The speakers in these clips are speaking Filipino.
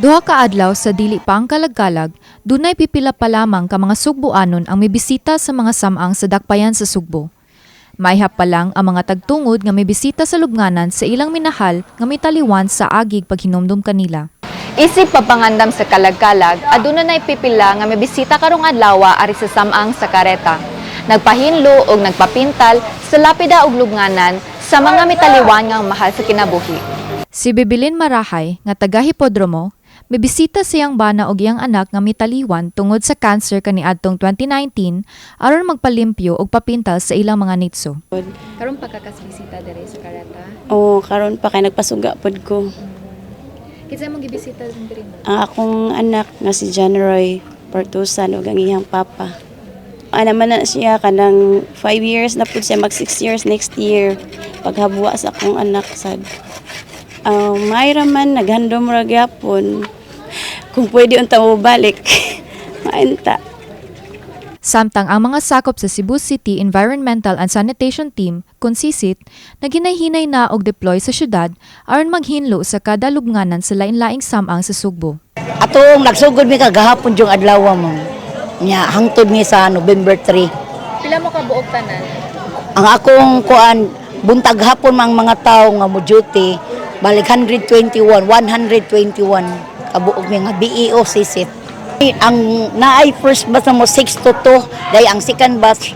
Duha ka adlaw sa dili pa ang kalagkalag, dunay pipila pa lamang ka mga Sugboanon ang may bisita sa mga samang sa dakpayan sa Sugbo. Maihap pa lang ang mga tagtungod nga may bisita sa lubnganan sa ilang minahal nga may taliwan sa agig paghinomdom kanila. Isip papangandam sa kalagkalag, aduna nay pipila nga may bisita karong adlaw ari sa samang sa kareta. Nagpahinlo og nagpapintal sa lapida ug lubnganan sa mga mitaliwan nga mahal sa kinabuhi. Si Bibilin Marahay nga taga Hipodromo, may bisita siyang bana og iyang anak nga mitaliwan tungod sa cancer kaniadtong 2019 aron magpalimpyo og papintal sa ilang mga nitso. Karon pagkakasbisita diri sa kareta. Oo, karon pa kay nagpasuga pod ko. Kinsa mo gibisita diri? Ang akong anak nga si John Roy Portusan ug ang iyang papa. Man na siya kanang 5 years na pud siya, mag 6 years next year paghabuwa sa akong anak sad. Mayra man naghandom ra gyapon kung pwede unta mo balik. Maenta. Samtang ang mga sakop sa Cebu City Environmental and Sanitation Team, KONSISIT, naginay-hinay na og deploy sa syudad aron maghinlo sa kada lubnganan sa lain-laing samang sa Sugbo. Atong nagsugod mi kagahapon yung adlaw mo. Nya hangtod mi sa November 3. Pila mo ka buok tanan? Ang akong kuan buntag hapon mang mga tawo nga mo duty balik 121 kabuok mi nga BEO sisit. Ang naay first batch mo 6 to 2, day ang second batch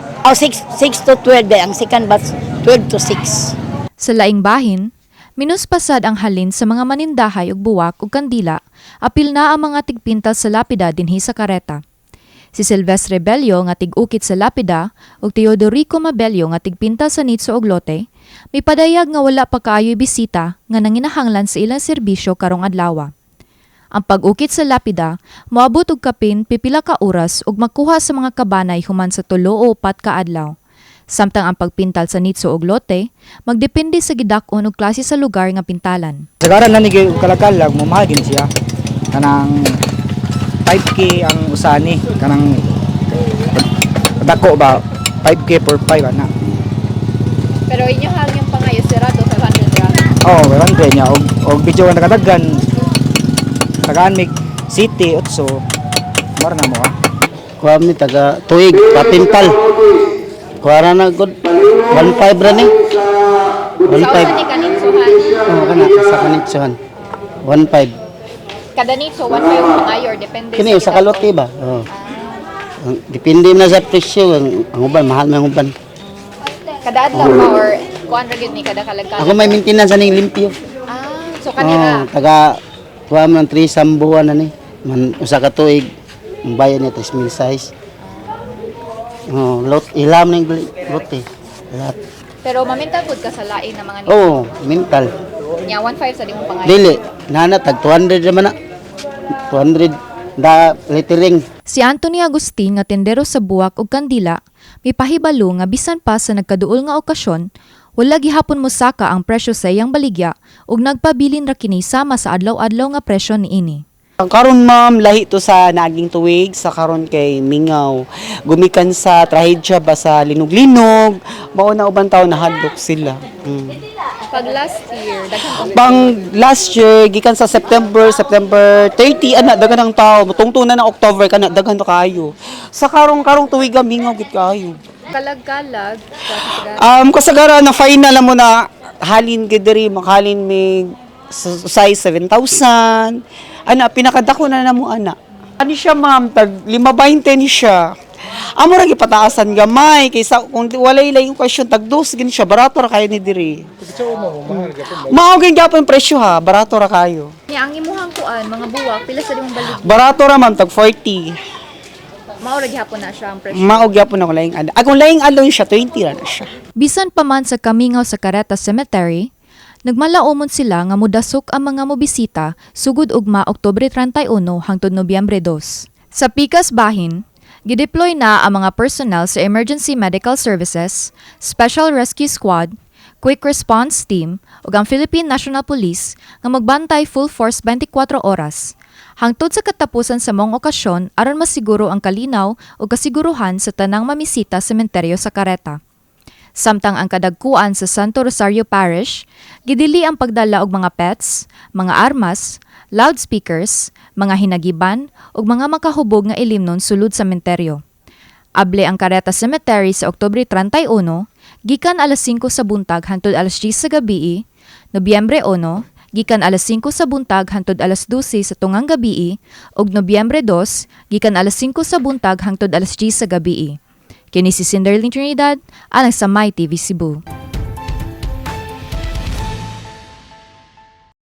6 to 12, day ang second batch 12 to 6. Sa laing bahin, minuspasad ang halin sa mga manindahay ug buwak ug kandila, apil na ang mga tigpintal sa lapida dinhi sa kareta. Si Silvestre Bello nga tig-ukit sa lapida ug Teodorico Mabello nga tigpintal sa nitso ug lote, may padayag nga wala pa kaayoy bisita nga nanginahanglan sa ilang serbisyo karong adlaw. Ang pag-ukit sa lapida moabot og kapin pipila ka oras ug makuha sa mga kabanay human sa 3 o 4 ka adlaw. Samtang ang pagpintal sa nitso ug lote magdepende sa gidak-on ug klase sa lugar nga pintalan. Sagaran na ni kalakalag mamahagin siya kanang 5K ang usani kanang dako ba 5K per 5 ana. Pero inyo hang yung pangayo sirado 500 ra. Oh, 100 niya og video nga nakadagan tagaan mig city utso mar na mo ha. Kuha mi taga tuig papintal. Kuha ra na good 15 ra ni. 15. Sa kanitsuhan. Oh, kana sa kanitsuhan. 15. Kada nitso 1 ang pangayo or depende Kini sa kalote ba? Oh. Depende na sa presyo ang uban mahal man uban. Kada adlaw ba or kuan ra gyud ni kada kalagkalag? Ako may maintenance aning limpyo. So kanira. Taga kuha man 3 sambuan na ni. Man usa ka tuig ang bayad niya 3,000 size. Oh, lot ilam ning lote. Lahat. Pero mamintal pud ka sa lain na mga nitso. Oh, mental. Nya 15 sa dimong pangayo. Dili, nana tag 200 naman na. 200 da lettering. Si Anthony Agustin nga tendero sa buwak ug kandila, may pahibalo nga bisan pa sa nagkaduol nga okasyon, wala gihapon mosaka ang presyo sa iyang baligya ug nagpabilin ra kini sama sa adlaw-adlaw nga presyo niini. Karon ma'am, lahi to sa naging tuwig, sa karon kay Mingaw. Gumikan sa trahedya ba sa linog-linog, mauna ubang tao nahadlok sila. Pag last year, daghan Bang last year, gikan sa September 30, ana dagan ang tao, tungtong na ng October, kana daghan to kaayo. Sa karong tuwig Mingaw gid kaayo. kalagkalag. Kasagaran na final mo na halin gid diri, makahalin mig size 7,000. Ana pinakadako na namo ana. Ani siya ma'am, tag 5.20 ni siya. Amo ra gipataasan gamay kaysa kung walay lang yung question tag 2 gini siya, barato ra kayo ni diri. Mao gyud gyapon presyo ha, barato ra kayo. Nya ang imuhang kuan mga buwak pila sa dimong baligya. Barato ra ma'am tag 40. Mao ra gihapon na siya ang presyo. Mao gyapon ako laing adlaw. Akong laing adlaw siya 20 ra na siya. Bisan pa man sa Kamingaw sa Careta Cemetery, nagmalaumon sila nga mudasok ang mga mobisita sugod ugma Oktubre 31 hangtod Nobyembre 2. Sa Pikas Bahin, gideploy na ang mga personnel sa Emergency Medical Services, Special Rescue Squad, Quick Response Team ug ang Philippine National Police nga magbantay full force 24 oras. Hangtod sa katapusan sa mong okasyon aron masiguro ang kalinaw ug kasiguruhan sa tanang mamisita sa sementeryo sa Careta. Samtang ang kadagkuan sa Santo Rosario Parish, gidili ang pagdala og mga pets, mga armas, loudspeakers, mga hinagiban ug mga makahubog nga ilimnon sulod sa sementeryo. Able ang Carreta Cemetery sa Oktubre 31, gikan alas 5 sa buntag hangtod alas 10 sa gabii, Nobyembre 1, gikan alas 5 sa buntag hangtod alas 12 sa tungang gabii, ug Nobyembre 2, gikan alas 5 sa buntag hangtod alas 10 sa gabii. Kini si Cinderlyn Trinidad, alang sa My TV Cebu.